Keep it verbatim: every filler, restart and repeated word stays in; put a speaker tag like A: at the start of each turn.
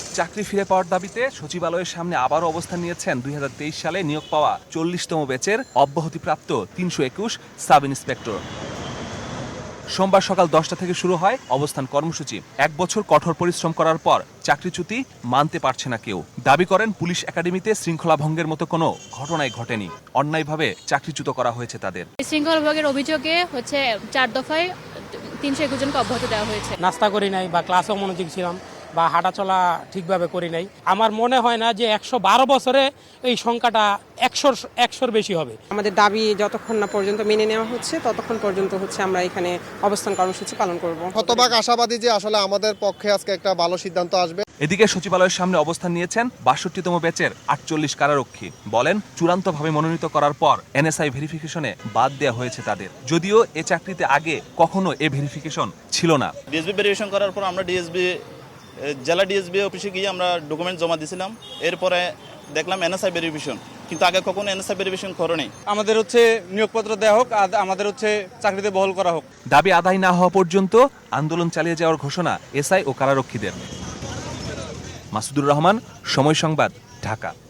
A: চাকরি ফিরে পাওয়ার দাবিতে সচিবালয়ের সামনে আবারও অবস্থান নিয়েছেন দুই হাজার তেইশ সালে নিয়োগ পাওয়া চল্লিশতম ব্যাচের অব্যাহতিপ্রাপ্ত তিনশো একুশ সাব ইন্সপেক্টর। সোমবার সকাল দশটা থেকে শুরু হয় অবস্থান কর্মসূচি। এক বছর কঠোর পরিশ্রম করার পর চাকরিচ্যুতি মানতে পারছে না কেউ। দাবি করেন পুলিশ একাডেমিতে শৃঙ্খলা ভঙ্গের মতো কোনো ঘটনাই ঘটেনি, অন্যায়ভাবে চাকরিচ্যুত করা হয়েছে তাদের।
B: শৃঙ্খলা ভঙ্গের অভিযোগে হচ্ছে চার দফায় তিনশো একুশ জনকে অব্যাহতি দেওয়া হয়েছে।
C: নাস্তা করি নাই বা ক্লাসেও মনোযোগী ছিলাম বা হাঁটাচলা ঠিকভাবে করি নাই। আমার মনে হয় না যে একশো বারো বছরে এই সংখ্যাটা একশোর একশোর বেশি হবে।
D: আমাদের দাবি যতক্ষণ না পর্যন্ত মেনে নেওয়া হচ্ছে ততক্ষণ পর্যন্ত হচ্ছে আমরা এখানে অবস্থান কর্মসূচি পালন করব।
E: শতভাগ আশাবাদী যে আসলে আমাদের পক্ষে আজকে একটা ভালো সিদ্ধান্ত আসবে।
A: এদিকে সচিবালয়ের সামনে অবস্থান নিয়েছেন বাষট্টিতম ব্যাচের আটচল্লিশ কারারক্ষী। বলেন চূড়ান্তভাবে মনোনীত করার পর এনএসআই ভেরিফিকেশনে বাদ দেওয়া হয়েছে তাদের, যদিও এ চাকরিতে আগে কখনো এ ভেরিফিকেশন ছিল না।
F: ডিএসবি ভেরিফিকেশন করার পর আমরা ডিএসবি জেলা ডিএসবি অফিসে গিয়ে আমরা ডকুমেন্ট জমা দিয়েছিলাম। এরপরে দেখলাম এনএসআই ভেরিফিকেশন, কিন্তু আগে কখনো এনএসআই ভেরিফিকেশন করে নেই।
G: আমাদের হচ্ছে নিয়োগপত্র দেওয়া হোক, আমাদের হচ্ছে চাকরিতে বহাল করা হোক।
A: দাবি আদায় না হওয়া পর্যন্ত আন্দোলন চালিয়ে যাওয়ার ঘোষণা এসআই ও কারারক্ষীদের। মাসুদুর রহমান, সময় সংবাদ, ঢাকা।